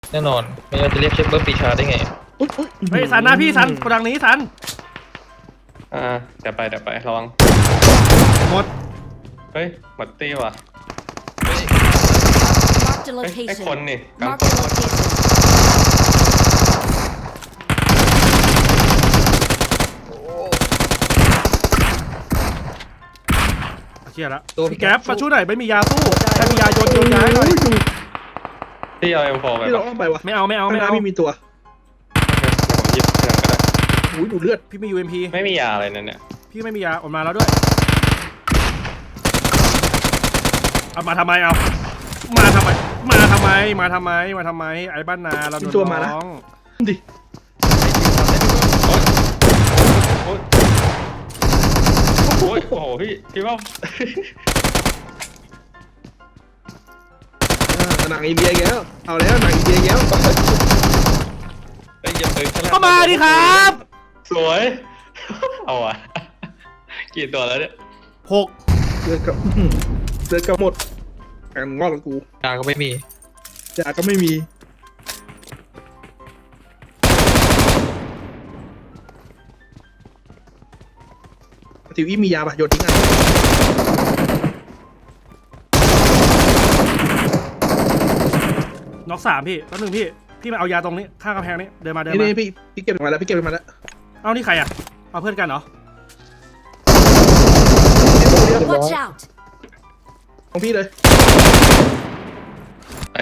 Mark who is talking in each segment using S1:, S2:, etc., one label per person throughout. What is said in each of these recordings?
S1: แน่นอนไม่งั้นจะเรียกเชฟเบิร์ดปีชาได้ไง
S2: เฮ้ยสันนะพี่สันกระดังนี้สัน
S3: เดี๋ยวไประวัง
S2: หมด
S3: เฮ้ยหมดตีว่ะ
S4: Marked a
S3: ไอ้
S4: location.
S3: คนนี่กลาง
S4: Marked
S3: ค
S4: a
S3: น
S4: location.
S2: เชี่ยละพี่แก๊ปมาช่วยหน่อยไม่มียาสู้ใครมียาโยนยาให้หน่อย
S3: ที่เอาM4ไป
S5: ที่เรา
S3: ปะ
S5: อ้อมไปวะ
S2: ไม่เอา
S5: ข้างหน้าไม่มีตัว
S3: ผมหยิบเงินก็ได้
S5: โอ้ยหนูเลือด
S2: พี่มี UMP
S3: ไม่มียาอะไรนั่นเนี่ย
S2: พี่ไม่มียาออกมาแล้วด้วยเอามาทำไมเอามาทำไมไอ้บ้านนาเราโดนน้อง
S5: ดิ
S3: โอ้ยโอ้โหพี่ว่า
S5: หนังอินเดียแล้วเอาแล้วหนังอินเดียแล้ว
S3: ไอ้ยังตึง
S2: ก็มาดิครับ
S3: สวยเอาอ่ะกี่ตัวแล้วเนี่ย
S2: 6
S5: เลือดกับหมดการงอกกับกู
S1: ยาก็ไม่มี
S5: ยาก็ไม่มีทิวอี้มียาปะโยนทิ้งอ่ะ
S2: น็อก3พี่แป๊บนึงพี่มาเอายาตรงนี้ข้างกำแพงนี้เดินมา
S5: นี่พี่เก็บมาแล้ว
S2: เอานี่ใครอ่ะเอาเพื่อนกันเหรอ
S4: Watch out.
S5: ของพี่เลย
S3: ไอ้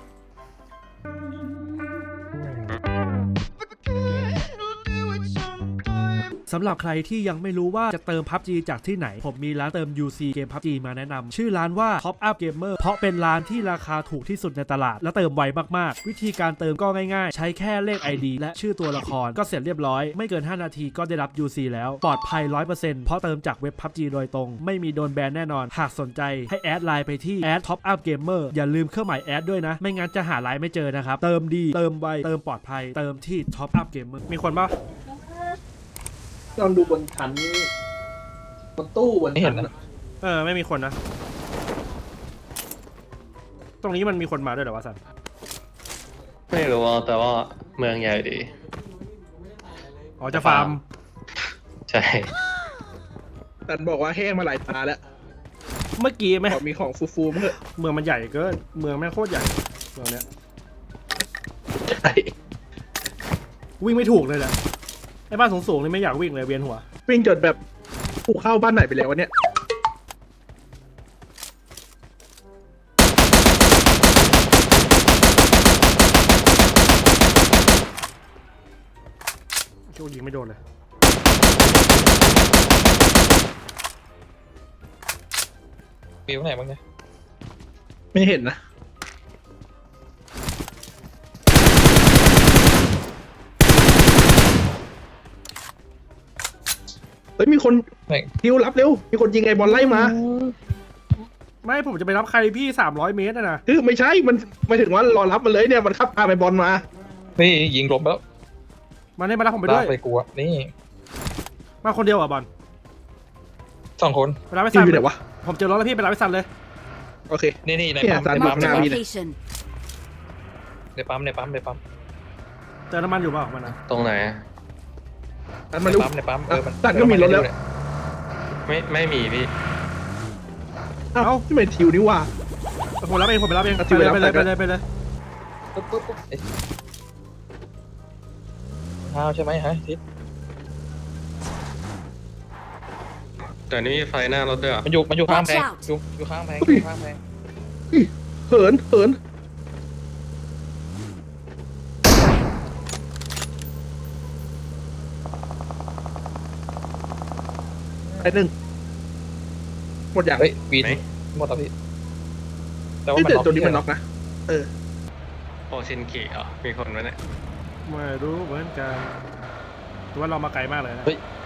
S2: สำหรับใครที่ยังไม่รู้ว่าจะเติม PUBG จากที่ไหนผมมีร้านเติม UC เกม PUBG มาแนะนำชื่อร้านว่า Top Up Gamer เพราะเป็นร้านที่ราคาถูกที่สุดในตลาดและเติมไวมากๆวิธีการเติมก็ง่ายๆใช้แค่เลข ID และชื่อตัวละครก็เสร็จเรียบร้อยไม่เกิน5นาทีก็ได้รับ UC แล้วปลอดภัย 100% เพราะเติมจากเว็บ PUBG โดยตรงไม่มีโดนแบนแน่นอนหากสนใจให้แอดไลน์ไปที่ Top Up Gamer อย่าลืมเครื่องหมายแอดด้วยนะไม่งั้นจะหาไลน์ไม่เจอนะครับเติมดีเติมไวเติมปลอดภัยเติมที่ Top Up Gamer มีคนปะ
S5: ลองดูบนชั้นบนตู้บน
S1: ไม่เห็นนะ
S2: ไม่มีคนนะตรงนี้มันมีคนมาด้วยเหรอวะสัน
S3: ไม่รู้แต่ว่าเมืองใหญ่ดี
S2: อ๋อจะฟาร์ม
S3: ใช่
S5: แต่บอกว่าแห้งมาหลายตาแล้ว
S2: เมื่อกี้ไหม
S5: ขอมีของฟูๆมั้งเถอะ
S2: เมืองมันใหญ่เกินเมืองแม่งโคตรใหญ่เมืองเนี้ย
S5: ใช่
S2: วิ่งไม่ถูกเลยแหละไอ้บ้านสูงๆนี่ไม่อยากวิ่งเลยเวียนหัว
S5: วิ่งจนแบบกูเข้าบ้านไหนไปแล้ววะเนี่ย
S2: โชคยิงไม่โดนเลย
S1: มีตรงไหนบ้างเนี่ย
S5: ไม่เห็นนะเฮ้ยมีคน
S1: ไม่
S5: ทิวรับเร็วมีคนยิงไอ้บอลไล่มา
S2: ไม่ผมจะไปรับใครพี่300 เมตรนะ
S5: คือไม่ใช่มันไม่ถึงว่ารอรับมันเลยเนี่ยมันขับพาไปบอลมา
S1: นี่ยิงลบแล้ว
S2: มาเนี่ยมารับผมไปด้วย
S1: ลากไปกลัวนี่
S2: มาคนเดียวอ่ะบอล
S1: 2 คน
S2: ไปรับไป
S5: ทิ
S2: ซั
S5: วน อยู่ไหนวะ
S2: ผมเจอรถแล้วพี่ไปรับไปซันเลย
S5: โอเค
S1: นี่ใน
S5: เนี่ย
S1: ปั๊ม
S5: สาร
S1: ในปั๊ม
S5: หน้าพี่
S4: Location.
S1: ในปั๊ม
S2: เจอน้ำมันอยู่เปล่ามันนะ
S3: ตรงไหน
S5: อันมาดู
S1: ในปั๊มมัน
S5: ตัดก็มีรถแล้ว
S3: ไม่มีพี่
S5: เอ้าที่ไม่ทิวนี่ว่า
S2: ผมรับเองไปเลย
S5: เอาที่ไปรับ
S2: ไปเลย
S5: ไป
S2: ไป
S5: เลย
S2: เลยไปเลย
S1: ปุ๊บข้าวใช่ไหมฮะทิศ
S3: แต่นี่มีไฟหน้ารถด้วยอ่ะ
S1: มันอยู่ข้างแพง
S4: Watch out
S1: อยู่ข้างแพง
S5: เหินไอ้หนึ่งหมดอย่าง
S1: เฮ้ยวีนหมดแล้วพี่แต่ว่า
S5: ที่
S1: มัน
S5: เดือด
S1: ล็อก
S5: ตัวนี้มันน็อกนะเออ
S3: โอชินกิเหรอมีคนไหมเนี่ย
S2: ไม่รู้เหมือนกันแต่ว่าเรามาไกลมากเลยนะ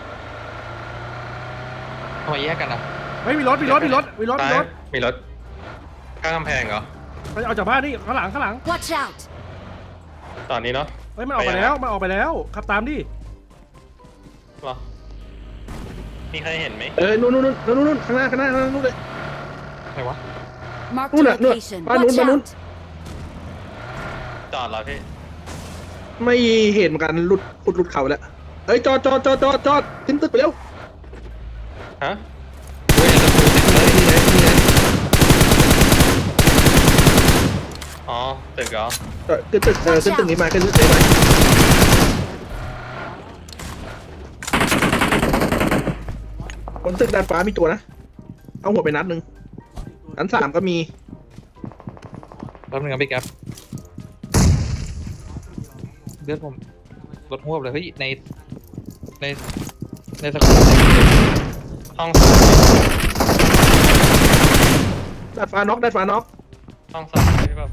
S1: ทำไมแยกกันอ่ะ
S2: เฮ้ยมีรถ
S3: ซ้ายมีรถข้างกำแพงเหรอ
S2: ไปเอาจากบ้านนี่ข้างหลัง
S4: Watch out.
S3: ตอนนี้เนาะ
S2: เฮ้ยมันออกไปแล้วขับตามดิ
S3: หรอมีใครเห็นไหม
S5: นู่นข้างหน้านู่นเลย
S1: ไหนวะ
S4: Marked a
S5: Una, no,
S4: location.
S5: pa' nun,
S4: Watch
S5: pa' nun.
S4: out.
S3: จอดเหรอพี่
S5: ไม่เห็นเหมือนกันหลุดเขาแล้วเฮ้ยจอดขึ้นตึกไปเร็ว
S3: ฮะ
S5: นี่ไง
S3: อ๋อตึกเหรอ
S5: ขึ้นตึกขึ้นตึกนี้มาขึ้นตึกนี้มาบนตึกดาดฟ้ามีตัวนะเอาหัวไปนัดหนึ่งชั้น3ก็มี
S1: แป๊บนึงครับพี่แก๊ปเลือดผมลดหัวบเลยเฮ้ยในสกูล
S3: ห้อง
S5: ดาดฟ้าน็อก
S3: ห้องสองพี่แบบ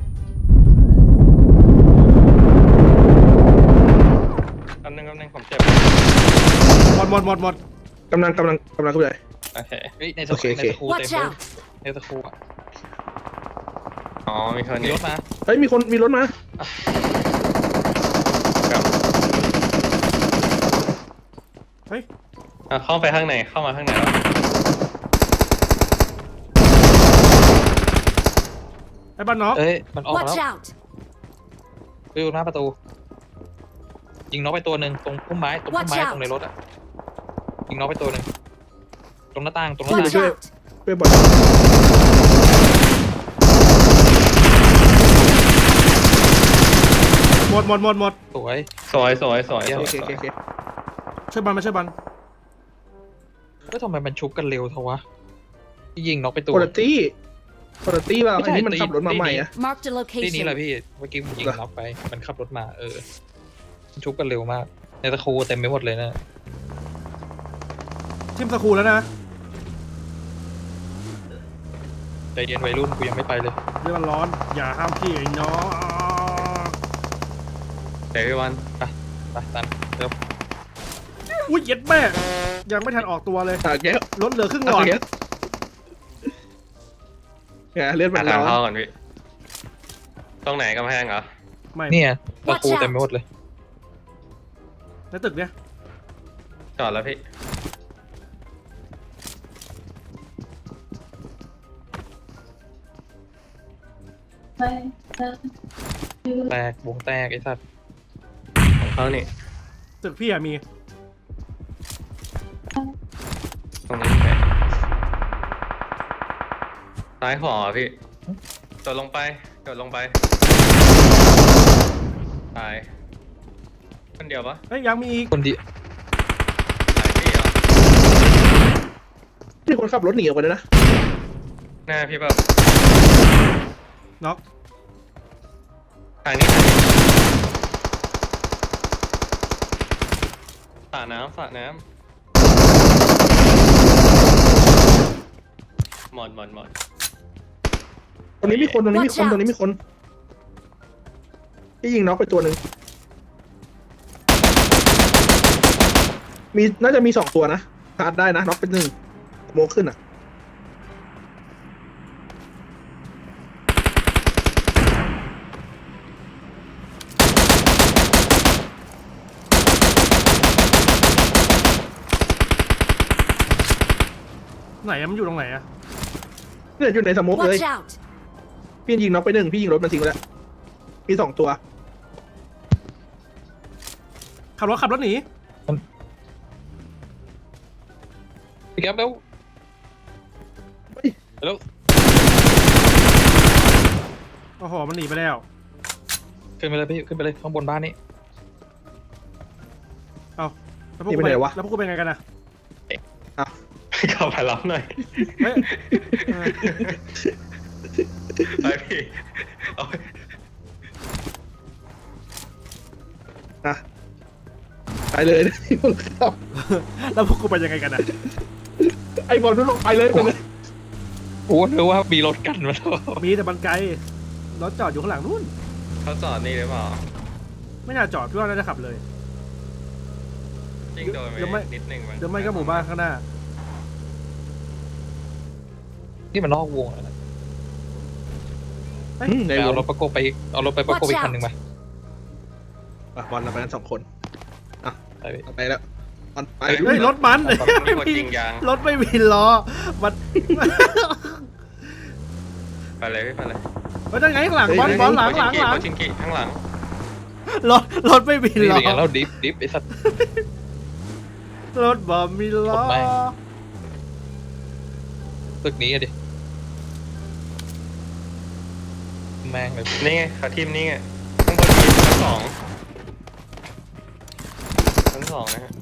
S3: แป๊บนึงผมเจ็บ
S2: หมด
S5: กำลังขึ้นไป
S3: โอเค
S1: เฮ้ยในส
S5: โอเค
S1: กูล
S5: โอเค
S1: เต็ม
S4: Watch
S1: เลย
S4: out!
S1: ในสกูลอ่ะ
S3: อ๋อมีคน
S1: มี
S3: นี้
S1: รถมา
S5: เฮ้ยมีรถมา
S3: ครับ
S2: เฮ้ย
S3: เข้าไปข้างในเข้ามาข้างในแล้ว
S2: ไอ้บ้านน็อก
S1: เอ้ยมันออกแล้ว
S4: Watch out!
S1: ไปอยู่หน้าประตูยิงน็อกไปตัวหนึ่งตรงพุ่มไม้ตรงในรถอ่ะยิงน็อกไปตัวหนึ่งตรงหน้าต่าง
S4: Watch out!
S5: ไปบอล
S2: หมด
S1: สวย
S3: สวย
S5: โอเค
S2: ช่วยบันมาช่วยบัน
S1: ก็ทำไมมันชุบกันเร็วเทวะที่ยิงน็อกไปตัว
S5: คุณภาพเราอันนี้มันขับรถมาใหม่อะ
S4: Marked a
S1: ที่นี่แหละ
S4: location.
S1: พี่เมื่อกี้ผมยิงน็อกไปมันขับรถมามันชุบกันเร็วมากในตะคูเต็มไปหมดเลยนะ
S2: ทีมสกูแล้วนะ
S1: ใจเย็นวัยรุ่นกูยังไม่ไปเลย
S2: เรื่องมันร้อน อย่าห้ามพี่ไอ้น้อง
S3: เดี๋ยวพี่วัน
S1: ไปตันเร็ว
S2: อุ้ยเย็ดแม่ยังไม่ทันออกตัวเลย
S5: แก้ว
S2: รถเหลือครึ่งหลอด
S5: แก้วเลือดมั
S3: หาน ทาง
S5: ร้อ
S3: เข้าน ก่อนพี่ตรงไหนกำแพงเหรอ
S2: ไม่
S1: เนี่ยตะคูเต็มไปหมดเลย
S2: ในตึกเนี่ย
S3: จอดแล้วพี่
S1: แตกวงแตกไอ้สัตว์
S3: ของเขานี่
S2: ตึกพี่อะมี
S3: ตรงนี้แหละซ้ายขวาเหรอพี่โดดลงไปตายคนเดียวปะ
S2: เฮ้ยยังมีอีก
S1: คนดี
S3: ตายพี่เหรอ
S5: นี่คนขับรถหนีออกไปเลยนะ
S3: หน้าพี่แบบ
S2: น็อก
S3: ทางนี้สระน้ำหมด
S5: ตรงนี้มีคนที่ยิงน็อกไปตัวหนึ่งน่าจะมี2ตัวนะชาร์จได้นะน็อกเป็น1โมงขึ้นอ่ะ
S2: ไหนอะมันอยู่ตรงไหนอะ
S5: เนี่ยอยู่ในสโมกเลย
S4: Watch out!
S5: พี่ยิงน็อกไป1พี่ยิงรถมันทิ้งไปแล้วมี2ตัว
S2: ขับรถหนี
S1: พี่แก๊ปแล้วแล้ว
S2: โอ้โหมันหนีไปแล้ว
S1: ขึ้นไปเลยพี่ขึ้นไปเลยข้างบนบ้านนี้
S2: เอาแล้วพวกกูไปแล้วพวกกูเป็นไงกันอะ
S3: เข้าไปรับหน่อย
S2: เฮ้ยเออ
S3: ไปพี่เอาไป
S5: อ่ะไปเลยครับ
S2: แล้วพวกกูเป็นยังไงกันอะ
S5: ไอ้บอลทุกลงไปเลย
S1: โอ้นึกว่ามีรถกันมาแล้ว
S2: มีแต่บันไกลรถจอดอยู่ข้างหลังนู่น
S3: เขาจอดนี่หรือเปล่า
S2: ไม่น่าจอดพี่ว่าน่าจะขับเลย
S3: ยิ่งโดน
S2: เดี๋ยวไม่
S3: ไปนิดนึง
S2: เดี๋ยวไม่ก็หมู่บ้านข้างหน้า
S1: นี่มันนอกวงแล้วนะ
S5: ใน
S1: ไป
S5: ว
S1: เอา
S5: ง
S1: รถประกบไปเอารถไปประกบอีกคันหนึ่งมา
S5: บอลเราไปกัน2 คน
S1: ไปพี่
S5: ไปแล้วบอลไป
S2: เฮ้ยรถมัน
S3: มีคนยิงยาง
S2: รถไม่มีล้อมัน
S3: ไปเลยพี่ไปเลย
S2: เฮ้ยนั่นไงข้างหลังบอลหลัง
S3: โคชินกิข้างหลัง
S2: รถไม่มี
S1: นี่
S2: ล้
S1: เป็นไง
S2: อ
S1: แล้วดิฟไอ้สัตว์
S2: รถบ่มีล้อ
S1: รถแม่ง ตึกนี้อะดิแม่งเลย
S3: นี่ไงขาทีมนี่ไงข้างบนมีชั้นสองนะฮะ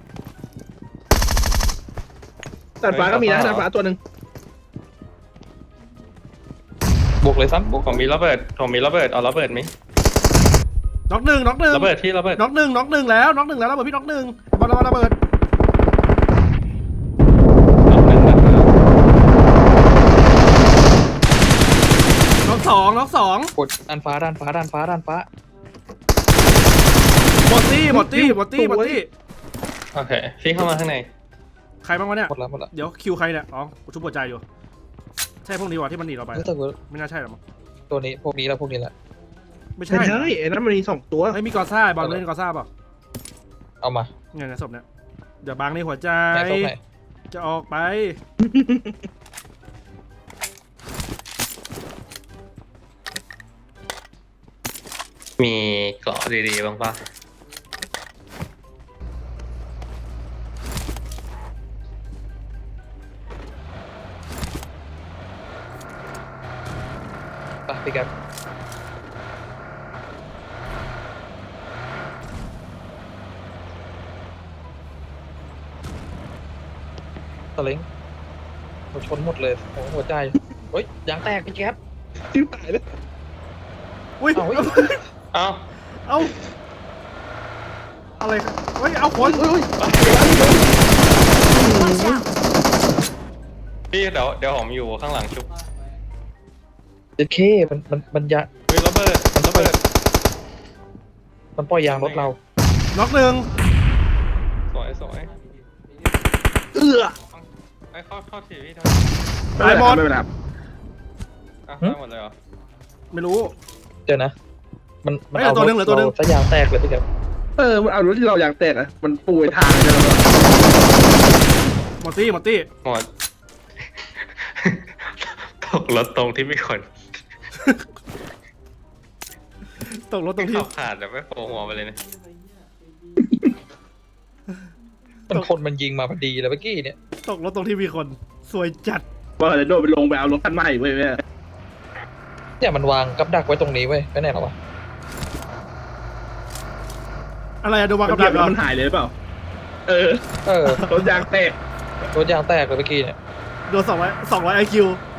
S5: ดาดฟ้าก็มีนะดาดฟ้าตัวหนึ่ง
S1: บวกเลยซ้ำบวก
S3: ผมมีระเบิดเอาระเบิดไหม
S2: น็อกหนึ่ง
S3: ระเบิดที่ระเบิด
S2: น็อกหนึ่งแล้วระเบิดพี่น็อกหนึ่งระเบิดน็อกสอง
S1: กดด้านฟ้าด้านฟ้า
S2: หมดตี้
S3: โอเคพี่เข้ามาข้างใน
S2: ใครบ้างวะเนี่ย
S1: หมดแล้ว
S2: เดี๋ยวคิวใครเนี่ยอ๋อกูชุบหัวใจอยู่ใช่พวกนี้วะที่มันหนีเราไป
S1: เฮ้ยแต่ว่า
S2: ไม่น่าใช่หรอกมั้ง
S1: ตัวนี้พวกนี้แล้วไม่
S5: ไม่
S1: ใช่
S5: ใช่ไอ้นั้นมันมี2ตัว
S2: ไม่มีกอซ่าบอลเล่นกอซ่าเปล่า
S1: เอามา
S2: เนี่ยศพเนี่ยเดี๋ยวบางในหัวใจ
S1: ไหนตรงไหน
S2: จะออกไป
S3: มีเกาะดีๆบ้างปะ
S1: ไปพี่แกตะเล้งเราชนหมดเลยโอ้โหหัวใจเฮ้ยยางแตกพี่แก๊ป
S5: จิ้วตายเลย
S2: อุ้ย
S1: เอาเฮ้ย
S3: เอ้า
S2: เอาอะไรครับเฮ้ยเอาคน
S4: Watch out!
S3: พี่เดี๋ยวผมอยู่ข้างหลังชุบ
S1: เจ็ดเคมันยา
S3: เฮ้ยระเบิด
S1: มันปล่อยยางรถเรา
S2: น็อกหนึ่ง
S3: สวย ไอ้เข้าทีพี่ทำ
S5: ไม่เป็นไร
S3: ได้หมดเลยเหรอ
S2: ไม่รู้
S1: เดี๋ยวนะ มัน
S2: เฮ้ยเหลือตัวหนึ่งเหลือตัวหนึ่ง
S1: ซะยางแตกเลยพี่แก๊ป
S5: มันเอารถที่เราอยากแตกอ่ะมันปูไอ้ทางเลยนะ
S2: หมดตี้
S3: หมด ตกรถตรงที่มีคน
S2: ตกรถตรงที่
S3: ขับผ่านแต่ไม่โผล่หัวไปเลยนะ
S1: มันคนมันยิงมาพอดีเลยเมื่อกี้เนี่ย
S2: ตกรถตรงที่มีคนสวยจัด
S5: ว่าจะโดนไปลงไปเอารถคันใหม่เว้ยแม่
S1: เนี่ยมันวางกับดักไว้ตรงนี้เว้ยไปไหนหรอวะ
S2: อะไรอะดูวาง
S5: กั
S2: กั
S5: บบ ดั
S2: ดั
S5: ก
S2: กเหรอ
S5: มันหายเลยหรือเปล่า เออ
S1: เออ
S5: รถยางแตก
S1: รถยางแตกเลยเมื่อกี้เนี่ย
S2: โดน200 IQ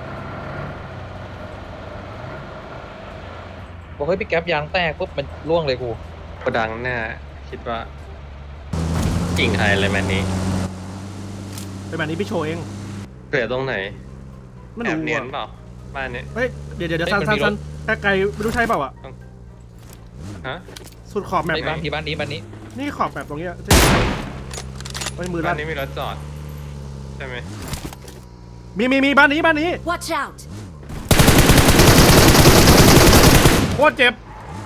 S1: บอกเฮ้ยพี่แก๊ปยางแตกปุ๊บมันล่วงเลยกู
S3: โกดังหน้าคิดว่ากิ่งใครเลยแมนนี้
S2: เป็นแบบนี้พี่โชว์เอง
S3: เกิดตรงไหน
S2: ไม่
S3: แอ
S2: รู้
S3: บเนียน
S2: อะ
S3: เปล่าบ้านเนี้ย
S2: เฮ้ยเดี๋ยวซันไกลไม่รู้ใช่เปล่าอะ
S3: ฮะ
S2: สุดขอบแมป
S1: ไอ้บ้านที่บ้านนี้
S2: นี่ขอบแบบตรงเนี้ยเฮ้ยมือ
S3: บ้า
S2: ลั่
S3: น
S2: น
S3: นี้มีรถจอดใช่ไหม
S2: มีบ้านนี้
S4: Watch out!
S2: โคตรเจ็บ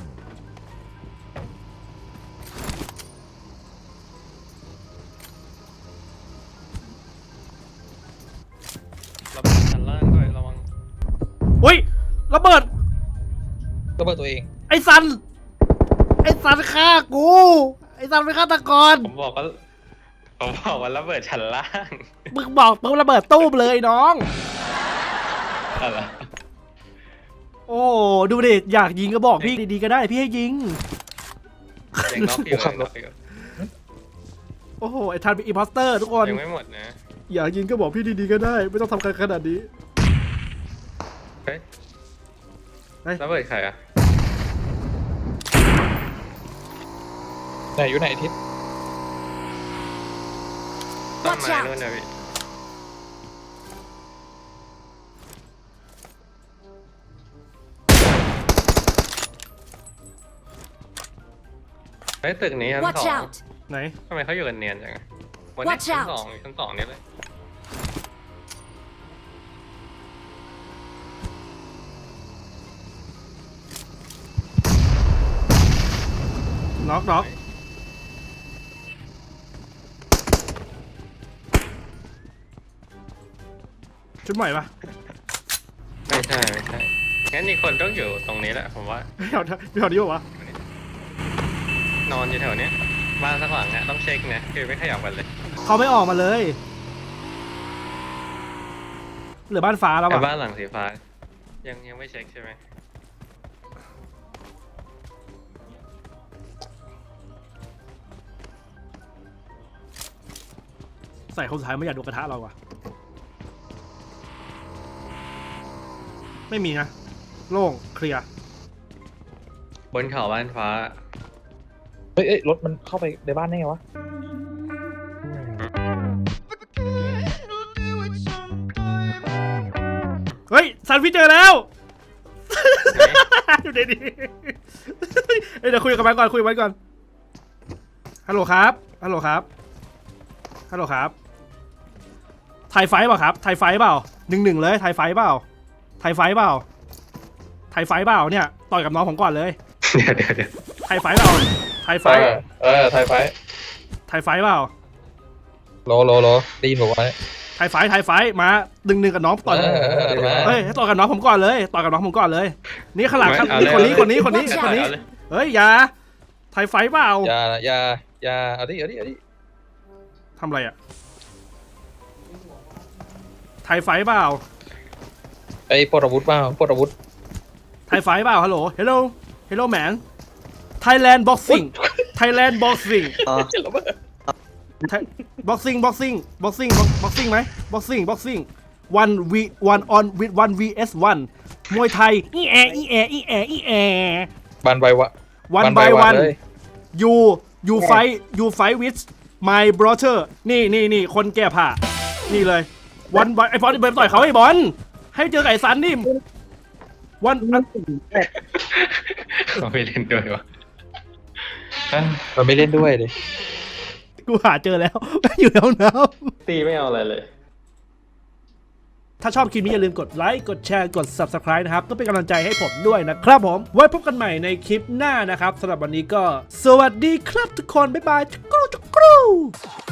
S3: ระเบิดชั้นล่างด้วยระวัง
S2: อุ้ยระเบิด
S1: ก็เบิดตัวเอง
S2: ไอ้ซันฆ่ากูไอ้ซันเป็นฆาตกร
S3: ผมบอกว่าระเบิดชั้นล่าง
S2: มึงบอกปุ๊บระเบิดตู้มเลยน้อง
S3: อะไร
S2: โอ้ดูดิอยากยิงก็บอกพี่ดีๆก็ได้พี่ให้ยิง
S3: ยังน็อกอยู่ยังน็อกอยู่
S2: โอ้โหไอ้ทันเป็นอิมพอสเตอร์ทุกคน
S3: ยังไม่หมดนะ
S2: อยากยิงก็บอกพี่ดีๆก็ได้ ไม่ต้องทำกันขนาดนี้
S3: เฮ้ย
S2: เฮ้ย
S3: ระเบิดใครอ่ะ
S1: ไหนอยู่ไหนทิศ
S3: ต้น
S4: Watch
S3: ไม้
S4: out
S3: นู่นนะพี่เฮ้ยตึกนี้ชั้น
S4: Watch
S3: สอง
S4: out!
S2: ไหน
S3: ทำไมเขาอยู่กันเนียนจังอะวันนี้
S4: Watch
S3: ชั้น
S4: out
S3: สองนี่เลย
S2: น็อกชุดใหม่ปะ
S3: ไม่ใช่งั้นอีกคนต้องอยู่ตรงนี้แหละผมว่า
S2: ไม่เอานี้ปะวะ
S3: นอนอยู่แถวเนี้ยบ้านสักหลังอะต้องเช็คนะคือไม่ขยับกันเลย
S2: เขาไม่ออกมาเลยเหลือบ้านฟ้าแล้ว
S3: ไอ้
S2: อ่ะ
S3: บ้านหลังสีฟ้ายังไม่เช็คใช่ไหม
S2: ใส่คนสุดท้ายไม่อยากดูกระทะเราอ่ะไม่มีนะโล่งเคลียร์
S3: บนเขาบ้านฟ้า
S1: เฮ้ยรถมันเข้าไปในบ้านได้ไงวะ
S2: เฮ้ยซันพี่เจอแล้ว อยู่ดีๆเดี๋ยวคุยกับมันก่อนคุยกับมันก่อนฮัลโหลครับฮัลโหลครับฮัลโหลครับไทยไฟเปล่าครับไทยไฟเปล่า1-1เลยไทยไฟเปล่าไทยไฟเปล่าไทยไฟเปล่าเนี่ยต่อยกับน้องผมก่อนเลย
S3: เดี๋ยว
S2: ไทยไฟเปล่าไทยไฟ
S1: ไทยไฟ
S2: ไทยไฟเปล่า
S1: โลได้ยินบอกว่า
S2: ไทยไฟมา1-1กับน้องต่อยเฮ้ยให้ต่อยกับน้องผมก่อนเลยต่อยกับน้องผมก่อนเลยนี่ข้างหลังนี่คนนี้เฮ้ยอย่าไทยไฟเปล่า
S1: อย่าเอาดิ
S2: ทำอะไรอ่ะไทยไฟเปล่า
S1: ไอ้ปลดอาวุธเปล่าปลดอาวุธ
S2: ไทยไฟเปล่าฮัลโหลเฮลโลแมน Thailand boxing Thailand boxing บ็อกซิ่งไหมบ็อกซิ่ง one on with 1 vs 1มวยไทยอีแอ
S1: บันใบวะ
S2: one by one you fight with my brother นี่คนแก้ผ้านี่เลยวันไอ้บอลเบิร์ต่อยเขาไอ้บอลให้เจอไก่สันนี่วัน
S3: เขาไม่เล่นด้วยวะ
S1: มันไม่เล่นด้วยเลย
S2: กูหาเจอแล้ว อยู่ในห้องน้ำ
S3: ตีไม่เอาอะไรเลย
S2: ถ้าชอบคลิปนี้อย่าลืมกดไลค์กดแชร์กด Subscribe นะครับต้องเป็นกำลังใจให้ผมด้วยนะครับผมไว้พบกันใหม่ในคลิปหน้านะครับสำหรับวันนี้ก็สวัสดีครับทุกคนบ๊ายบายจุกรู